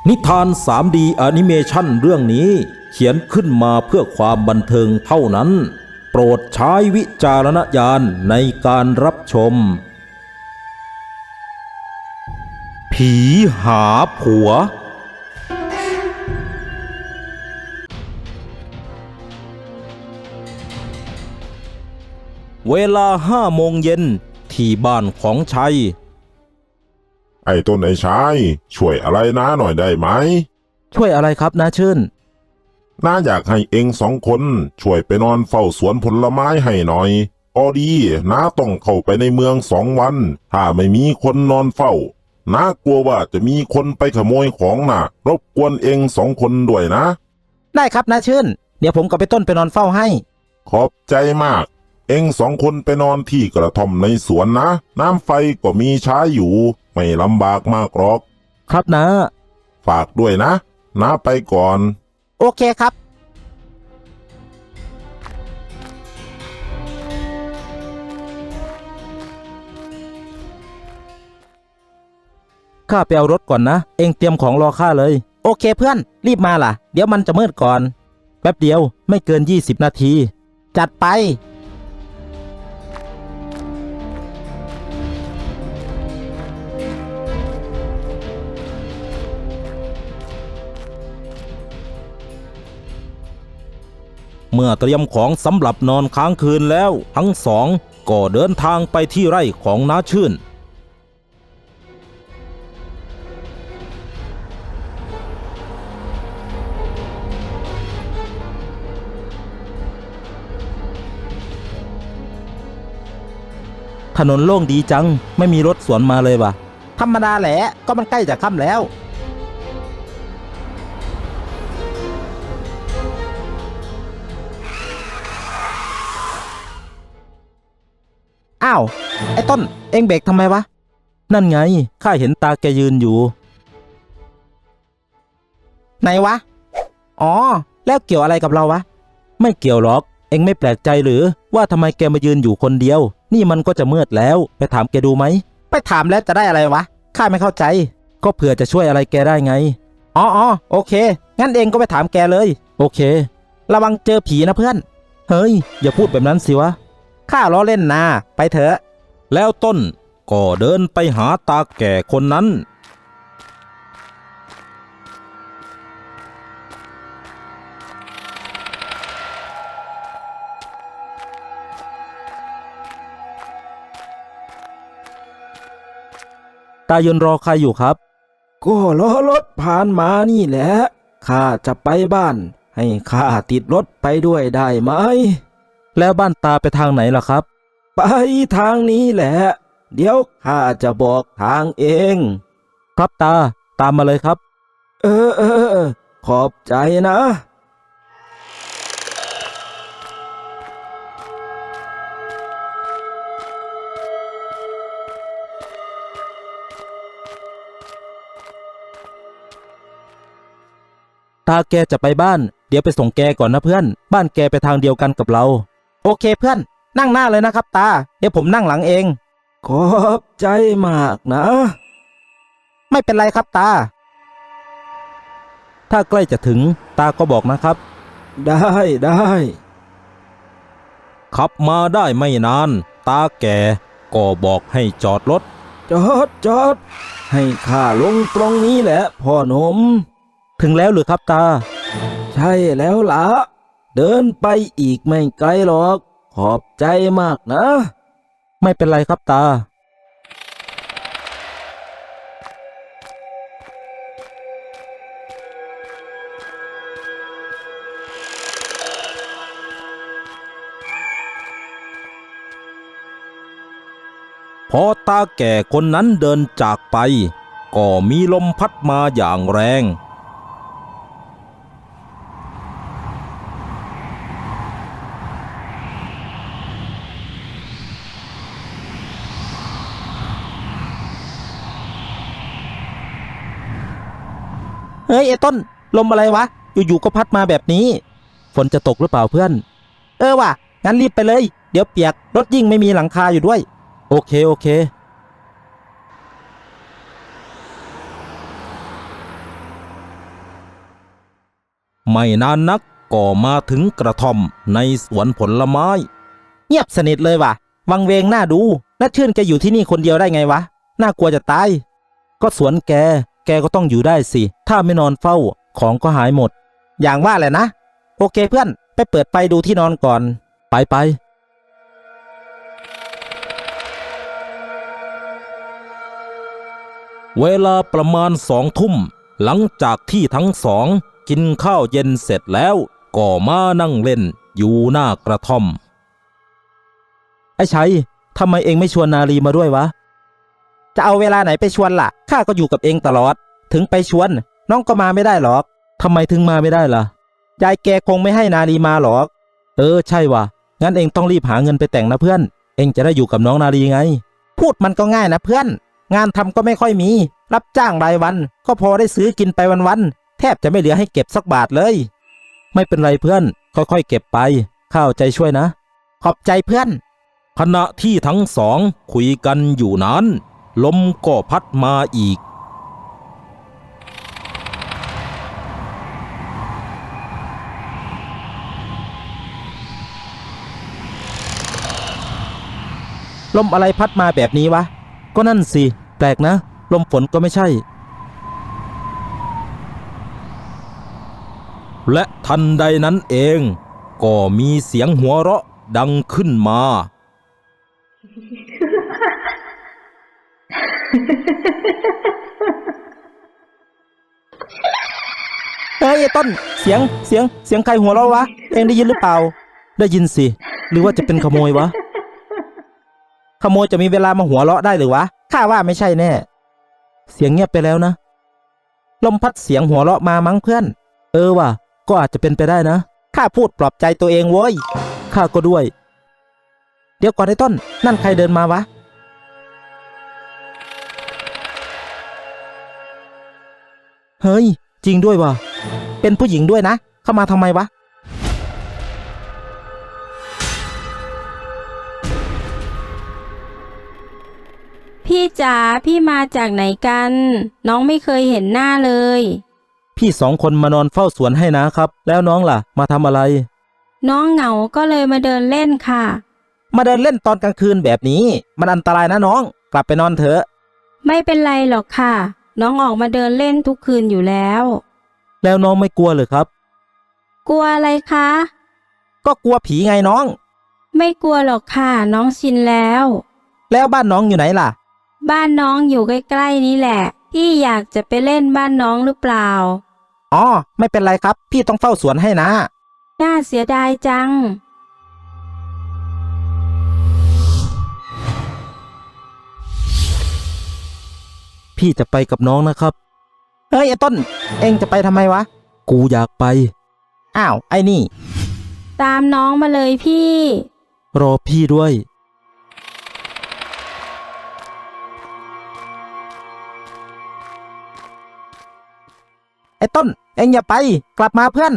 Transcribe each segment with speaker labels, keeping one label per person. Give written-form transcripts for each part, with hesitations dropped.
Speaker 1: นิทาน 3D แอนิเมชันเรื่องนี้เขียนขึ้นมาเพื่อความบันเทิงเท่านั้นโปรดใช้วิจารณญาณในการรับชมผีหาผัวเวลา5 โมงเย็นที่บ้านของชัย
Speaker 2: ไอ้ต้นไอ้ชายช่วยอะไรน้าหน่อยได้ไหม
Speaker 1: ช่วยอะไรครับน้าชื่น
Speaker 2: น้าอยากให้เอง2 คนช่วยไปนอนเฝ้าสวนผลไม้ให้หน่อยพอดีน้าต้องเข้าไปในเมือง2 วันถ้าไม่มีคนนอนเฝ้าน้ากลัวว่าจะมีคนไปขโมยของน่ะรบกวนเอง2 คนด้วยนะ
Speaker 1: ได้ครับน้าชื่นเดี๋ยวผมกับไปต้นไปนอนเฝ้าให้
Speaker 2: ขอบใจมากเอง2 คนไปนอนที่กระท่อมในสวนนะน้ำไฟก็มีใช้อยู่ไม่ลำบากมากหรอก
Speaker 1: ครับนะ
Speaker 2: ฝากด้วยนะน้าไปก่อน
Speaker 1: โอเคครับข้าไปเอารถก่อนนะเองเตรียมของรอข้าเลยโอเคเพื่อนรีบมาล่ะเดี๋ยวมันจะมืดก่อนแป๊บเดียวไม่เกิน20 นาทีจัดไปเมื่อเตรียมของสำหรับนอนค้างคืนแล้วทั้งสองก็เดินทางไปที่ไร่ของน้าชื่นถนนโล่งดีจังไม่มีรถสวนมาเลยว่ะธรรมดาแหละก็มันใกล้จะค่ำแล้วอ้าวไอ้ต้นเอ็งเบรกทำไมวะนั่นไงข้าเห็นตาแกยืนอยู่ไหนวะอ๋อแล้วเกี่ยวอะไรกับเราวะไม่เกี่ยวหรอกเอ็งไม่แปลกใจหรือว่าทำไมแกมายืนอยู่คนเดียวนี่มันก็จะมืดแล้วไปถามแกดูไหมไปถามแล้วจะได้อะไรวะข้าไม่เข้าใจก็เผื่อจะช่วยอะไรแกได้ไงอ๋อโอเคงั้นเองก็ไปถามแกเลยโอเคระวังเจอผีนะเพื่อนเฮ้ยอย่าพูดแบบนั้นสิวะข้าล้อเล่นนะไปเถอะแล้วต้นก็เดินไปหาตาแก่คนนั้นตายืนรอใครอยู่ครับก็รอรถผ่านมานี่แหละข้าจะไปบ้านให้ข้าติดรถไปด้วยได้ไหมแล้วบ้านตาไปทางไหนล่ะครับไปทางนี้แหละเดี๋ยวข้าจะบอกทางเองครับตาตามมาเลยครับขอบใจนะตาแกจะไปบ้านเดี๋ยวไปส่งแกก่อนนะเพื่อนบ้านแกไปทางเดียวกันกับเราโอเคเพื่อนนั่งหน้าเลยนะครับตาเดี๋ยวผมนั่งหลังเองขอบใจมากนะไม่เป็นไรครับตาถ้าใกล้จะถึงตาก็บอกนะครับได้ขับมาได้ไม่นานตาแกก็บอกให้จอดรถจอดให้ข้าลงตรงนี้แหละพ่อหนุ่มถึงแล้วหรือครับตาใช่แล้วล่ะเดินไปอีกไม่ไกลหรอกขอบใจมากนะไม่เป็นไรครับตาพอตาแก่คนนั้นเดินจากไปก็มีลมพัดมาอย่างแรงเฮ้ยไอ้ต้นลมอะไรวะอยู่ๆก็พัดมาแบบนี้ฝนจะตกหรือเปล่าเพื่อนว่ะงั้นรีบไปเลยเดี๋ยวเปียกรถยิ่งไม่มีหลังคาอยู่ด้วยโอเค พไม่นานนักก็มาถึงกระท่อมในสวนผลไม้เงียบสนิทเลยว่ะวังเวงน่าดูน่าชื่นแกอยู่ที่นี่คนเดียวได้ไงวะน่ากลัวจะตายก็สวนแกก็ต้องอยู่ได้สิถ้าไม่นอนเฝ้าของก็หายหมดอย่างว่าแหละนะโอเคเพื่อนไปเปิดไฟดูที่นอนก่อนไปเวลาประมาณ2 ทุ่มหลังจากที่ทั้งสองกินข้าวเย็นเสร็จแล้วก็มานั่งเล่นอยู่หน้ากระท่อมไอ้ชัยทำไมเองไม่ชวนนาลีมาด้วยวะจะเอาเวลาไหนไปชวนล่ะข้าก็อยู่กับเองตลอดถึงไปชวนน้องก็มาไม่ได้หรอกทำไมถึงมาไม่ได้ล่ะยายแกคงไม่ให้นาลีมาหรอกใช่ว่ะงั้นเองต้องรีบหาเงินไปแต่งนะเพื่อนเองจะได้อยู่กับน้องนาลีไงพูดมันก็ง่ายนะเพื่อนงานทำก็ไม่ค่อยมีรับจ้างรายวันก็พอได้ซื้อกินไปวันๆแทบจะไม่เหลือให้เก็บสักบาทเลยไม่เป็นไรเพื่อนค่อยๆเก็บไปข้าเอาใจช่วยนะขอบใจเพื่อนขณะที่ทั้งสองคุยกันอยู่นั้นลมก็พัดมาอีกลมอะไรพัดมาแบบนี้วะก็นั่นสิแปลกนะลมฝนก็ไม่ใช่และทันใดนั้นเองก็มีเสียงหัวเราะดังขึ้นมาเฮ้ยต้นเสียงใครหัวเราะวะเองได้ยินหรือเปล่าได้ยินสิหรือว่าจะเป็นขโมยวะขโมยจะมีเวลามาหัวเราะได้หรือวะข้าว่าไม่ใช่แน่เสียงเงียบไปแล้วนะลมพัดเสียงหัวเราะมามั้งเพื่อนว่ะก็อาจจะเป็นไปได้นะข้าพูดปลอบใจตัวเองโว้ยข้าก็ด้วยเดี๋ยวก่อนไอ้ต้นนั่นใครเดินมาวะเฮ้ยจริงด้วยว่ะเป็นผู้หญิงด้วยนะเข้ามาทำไมวะ
Speaker 3: พี่จ๋าพี่มาจากไหนกันน้องไม่เคยเห็นหน้าเลย
Speaker 1: พี่2 คนมานอนเฝ้าสวนให้นะครับแล้วน้องล่ะมาทำอะไร
Speaker 3: น้องเหงาก็เลยมาเดินเล่นค่ะ
Speaker 1: มาเดินเล่นตอนกลางคืนแบบนี้มันอันตรายนะน้องกลับไปนอนเถอะ
Speaker 3: ไม่เป็นไรหรอกค่ะน้องออกมาเดินเล่นทุกคืนอยู่แล้ว
Speaker 1: น้องไม่กลัวเลยครับ
Speaker 3: กลัวอะไรคะ
Speaker 1: ก็กลัวผีไงน้อง
Speaker 3: ไม่กลัวหรอกค่ะน้องชินแล้ว
Speaker 1: บ้านน้องอยู่ไหนล่ะ
Speaker 3: บ้านน้องอยู่ใกล้ๆนี้แหละพี่อยากจะไปเล่นบ้านน้องหรือเปล่า
Speaker 1: อ๋อไม่เป็นไรครับพี่ต้องเฝ้าสวนให้นะ
Speaker 3: น่าเสียดายจัง
Speaker 1: พี่จะไปกับน้องนะครับเฮ้ยไอ้ต้นเอ็งจะไปทำไมวะกูอยากไปอ้าวไอ้นี่
Speaker 3: ตามน้องมาเลยพี่
Speaker 1: รอพี่ด้วยไอ้ต้นเอ็งอย่าไปกลับมาเพื่อน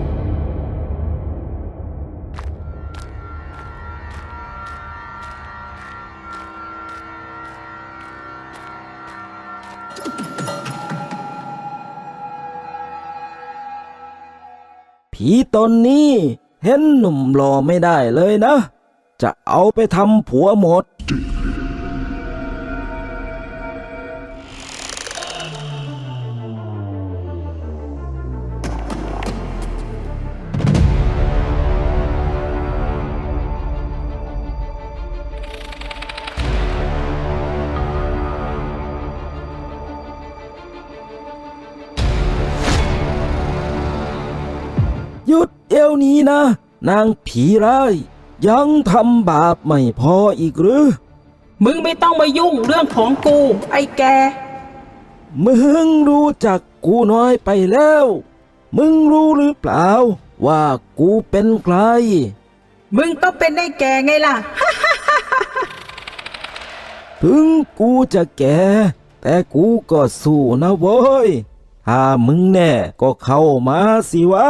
Speaker 1: ผีตนนี้เห็นหนุ่มหล่อไม่ได้เลยนะจะเอาไปทำผัวหมดหยุดเดี๋ยวนี้นะนางผีร้ายยังทำบาปไม่พออีกหรือ
Speaker 4: มึงไม่ต้องมายุ่งเรื่องของกูไอ้แก
Speaker 1: มึงรู้จักกูน้อยไปแล้วมึงรู้หรือเปล่าว่ากูเป็นใคร
Speaker 4: มึงต้องเป็นไอ้แกไงล่ะ
Speaker 1: ถึงกูจะแก่แต่กูก็สู้นะเว้ยถ้ามึงแน่ก็เข้ามาสิวะ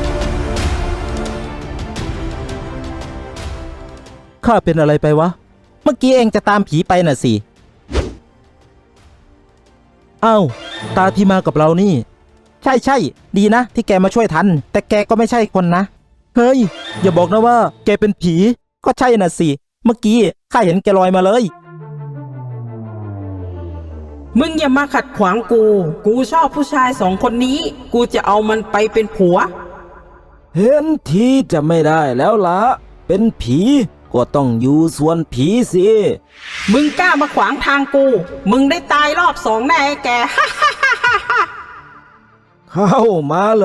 Speaker 1: ข้าเป็นอะไรไปวะเมื่อกี้เองจะตามผีไปน่ะสิเอ้าตาที่มากับเรานี่ ใช่ดีนะที่แกมาช่วยทัน แต่แกก็ไม่ใช่คนนะเฮ้ยอย่าบอกนะว่าแกเป็นผีก็ใช่น่ะสิเมื่อกี้ข้าเห็นแกลอยมาเลย
Speaker 4: มึงอย่ามาขัดขวางกู กูชอบผู้ชายสองคนนี้ กูจะเอามันไปเป็นผัว
Speaker 1: เห็นทีจะไม่ได้แล้วละเป็นผีก็ต้องอยู่ส่วนผีสิ
Speaker 4: มึงกล้ามาขวางทางกู มึงได้ตายรอบสองแน่ไอ้แก
Speaker 1: เข้ามาเลย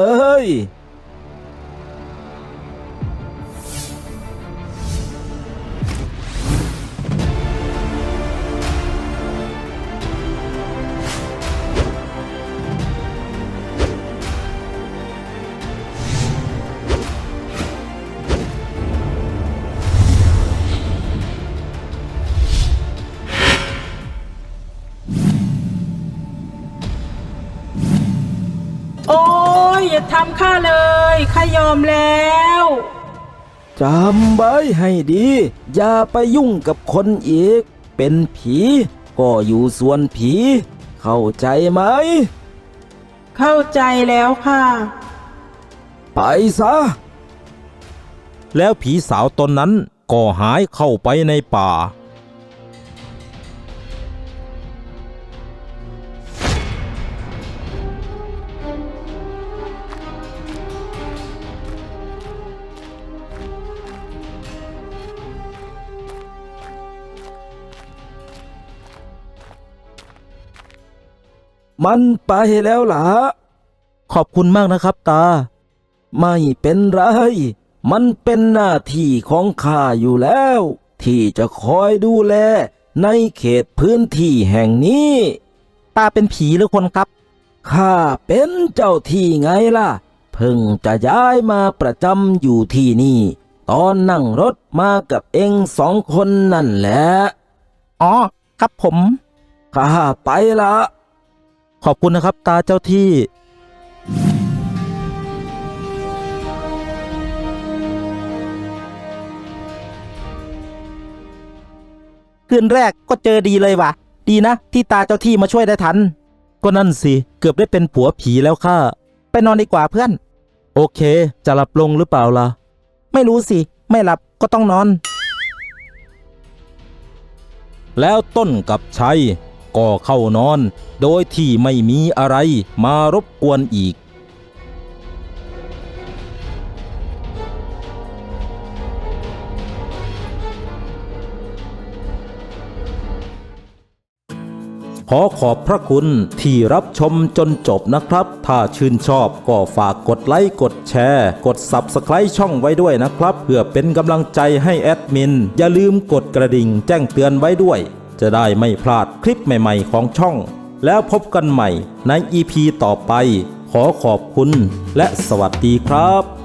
Speaker 4: โอ้ยอย่าทำข้าเลยข้ายอมแล้ว
Speaker 1: จำไว้ให้ดี อย่าไปยุ่งกับคนอีก เป็นผีก็อยู่ส่วนผี เข้าใจไหม
Speaker 4: เข้าใจแล้วค่ะ
Speaker 1: ไปซะ แล้วผีสาวตนนั้นก็หายเข้าไปในป่า มันไปแล้วล่ะ ขอบคุณมากนะครับตา ไม่เป็นไร มันเป็นหน้าที่ของข้าอยู่แล้ว ที่จะคอยดูแลในเขตพื้นที่แห่งนี้ ตาเป็นผีหรือคนครับ ข้าเป็นเจ้าที่ไงล่ะ เพิ่งจะย้ายมาประจำอยู่ที่นี่ ตอนนั่งรถมากับเองสองคนนั่นแหละ อ๋อ ครับผม ข้าไปละ ขอบคุณนะครับตาเจ้าที่ คืนแรกก็เจอดีเลยว่ะ ดีนะที่ตาเจ้าที่มาช่วยได้ทัน ก็นั่นสิ เกือบได้เป็นผัวผีแล้วค่ะ ไปนอนดีกว่าเพื่อน โอเค จะหลับลงหรือเปล่าล่ะ ไม่รู้สิ ไม่หลับก็ต้องนอน แล้วต้นกับชัยก็เข้านอน โดยที่ไม่มีอะไรมารบกวนอีก ขอขอบพระคุณที่รับชมจนจบนะครับ ถ้าชื่นชอบก็ฝากกดไลค์กดแชร์กด Subscribe ช่องไว้ด้วยนะครับ เพื่อเป็นกำลังใจให้แอดมิน อย่าลืมกดกระดิ่งแจ้งเตือนไว้ด้วย จะได้ไม่พลาดคลิปใหม่ๆของช่อง แล้วพบกันใหม่ใน EP ต่อไป ขอขอบคุณและสวัสดีครับ